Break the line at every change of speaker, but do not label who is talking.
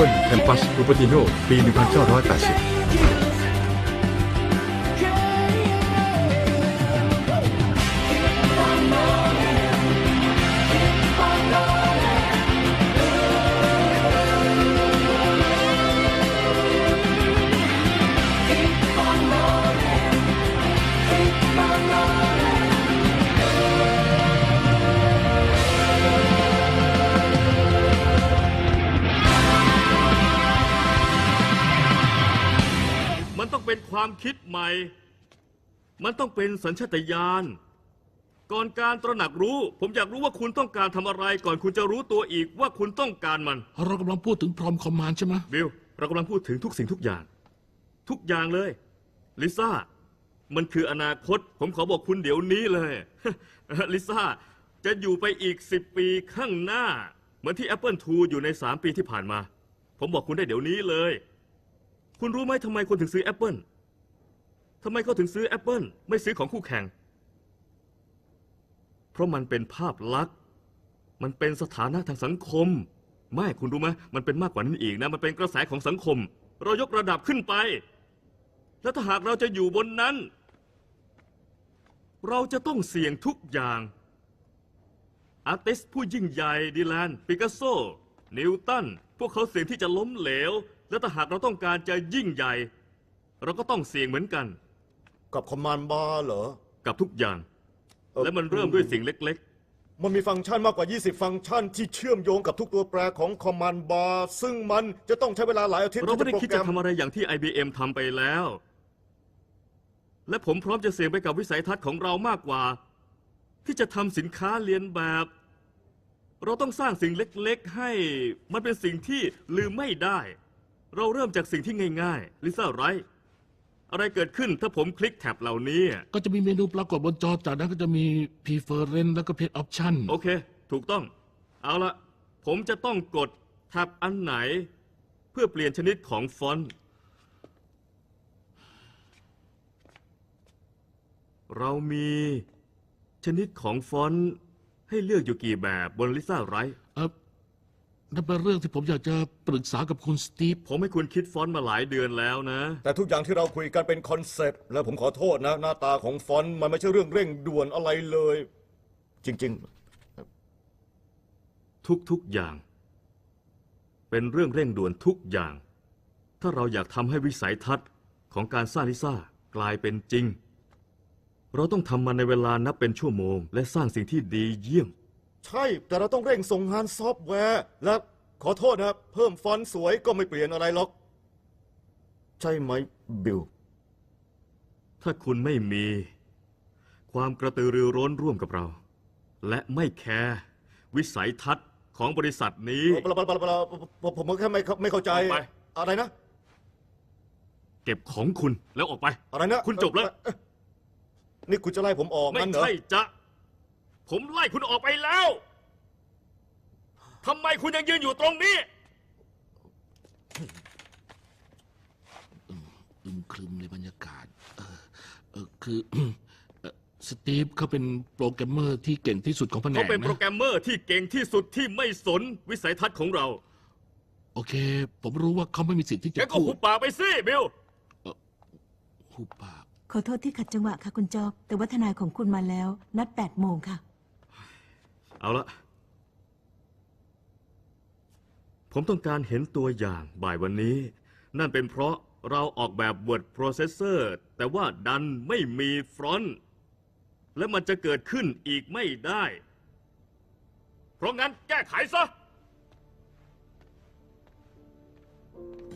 Apple Campus Cupertino ปี 1980
มันต้องเป็นความคิดใหม่ มันต้องเป็นสัญชาตญาณ ก่อนการตระหนักรู้ ผมอยากรู้ว่าคุณต้องการทำอะไรก่อนคุณจะรู้ตัวอีกว่าคุณต้องการมัน
เรากำลังพูดถึงพรอมคอมมานด์ใช่ไหม
บิล เรากำลังพูดถึงทุกสิ่งทุกอย่าง ทุกอย่างเลย ลิซ่า มันคืออนาคต ผมขอบอกคุณเดี๋ยวนี้เลย ลิซ่า จะอยู่ไปอีก10 ปีข้างหน้า เหมือนที่ Apple II อยู่ใน3 ปีที่ผ่านมา ผมบอกคุณได้เดี๋ยวนี้เลย คุณรู้ไหมทำไมคนถึงซื้อ Apple ทำไมเขาถึงซื้อ Apple ไม่ซื้อของคู่แข่ง เพราะมันเป็นภาพลักษณ์ มันเป็นสถานะทางสังคม ไม่คุณรู้ไหมมันเป็นมากกว่านั้นอีกนะ มันเป็นกระแสของสังคม เรายกระดับขึ้นไป และถ้าหากเราจะอยู่บนนั้น เราจะต้องเสี่ยงทุกอย่าง อาร์ติสต์ผู้ยิ่งใหญ่ดิแลน ปิกัสโซ นิวตัน พวกเขาเสี่ยงที่จะล้มเหลว และถ้าหากเราต้องการจะยิ่งใหญ่ เราก็ต้องเสี่ยงเหมือนกัน
กับคอมมานด์บาร์เหรอ
กับทุกอย่าง และมันเริ่มด้วยสิ่งเล็ก
มันมีฟังก์ชันมากกว่า 20 ฟังก์ชันที่เชื่อมโยงกับทุกตัวแปรของคอมมานด์บาร์ซึ่งมันจะต้องใช้เวลาหลายอาทิตย์
ๆ เราไม่ได้
ที่
คิด
จะ
จะ
โปรแกรม
ทำอะไรอย่างที่ IBM ทำไปแล้ว และผมพร้อมจะเสี่ยงไปกับวิสัยทัศน์ของเรามากกว่า ที่จะทำสินค้าเลียนแบบ เราต้องสร้างสิ่งเล็กๆ ให้มันเป็นสิ่งที่ลืมไม่ได้ เราเริ่มจากสิ่งที่ง่ายๆ ลิซ่าไรท์อะไรเกิดขึ้นถ้าผมคลิกแท็บเหล่านี้
ก็จะมีเมนูปรากฏบนจอจากนั้นก็จะมี preference แล้วก็ page option
โอเค ถูกต้อง เอาละผมจะต้องกดแท็บอันไหน เพื่อเปลี่ยนชนิดของฟอนต์ เรามีชนิดของฟอนต์ให้เลือกอยู่กี่แบบบนลิซ่าไรท์
นั่นเป็นเรื่องที่ผมอยากจะปรึกษากับคุณสตีฟ
ผมให้คุณคิดฟอนต์มาหลายเดือนแล้วนะ
แต่ทุกอย่างที่เราคุยกันเป็นคอนเซปต์และผมขอโทษนะ หน้าตาของฟอนต์มันไม่ใช่เรื่องเร่งด่วนอะไรเลย จริง
ทุกอย่าง เป็นเรื่องเร่งด่วนทุกอย่าง ถ้าเราอยากทำให้วิสัยทัศน์ของการสร้างลิซ่ากลายเป็นจริง เราต้องทำมันในเวลานับเป็นชั่วโมง และสร้างสิ่งที่ดีเยี่ยม
ๆ ใช่แต่เราต้องเร่งส่งงานซอฟต์แวร์ และขอโทษนะเพิ่มฟอนต์สวยก็ไม่เปลี่ยนอะไรหรอก ใช่ไหมบิล
ถ้าคุณไม่มี ความกระตือรือร้นร่วมกับเรา และไม่แคร์วิสัยทัศน์ของบริษัทนี้
ผมแค่ไม่เข้าใจ
ออกไป
อะไรนะ
เก็บของคุณแล้วออกไป
อะไรนะ
คุณจบแล้ว
นี่คุณจะไล่ผมออก
ไม่
งั้นเหรอ
ใช่จะ ผมไล่คุณออกไปแล้วทำไมคุณยังยืนอยู่ตรงนี้
อึมครึมในบรรยากาศ คือ สตีฟเขาเป็นโปรแกรมเมอร์ที่เก่งที่สุดของแผน
เขา
ก
เป็นโปร
นะ
แกรมเมอร์ที่เก่งที่สุดที่ไม่สนวิสัยทัศน์ของเรา
โอเค ผมรู้ว่าเขาไม่มีสิทธิ์ที่จะ
แกก็
พู
หุ
ด
บปากไปสิบิล
หุบปาก
ขอโทษที่ขัดจังหวะค่ะคุณจอบ แต่ว่าทนายของคุณมาแล้ว นัด8 โมงค่ะ
เอาละผมต้องการเห็นตัวอย่างบ่ายวันนี้ นั่นเป็นเพราะเราออกแบบ Word Processor แต่ว่าดันไม่มีฟรอนต์และมันจะเกิดขึ้นอีกไม่ได้ เพราะงั้นแก้ไขซะ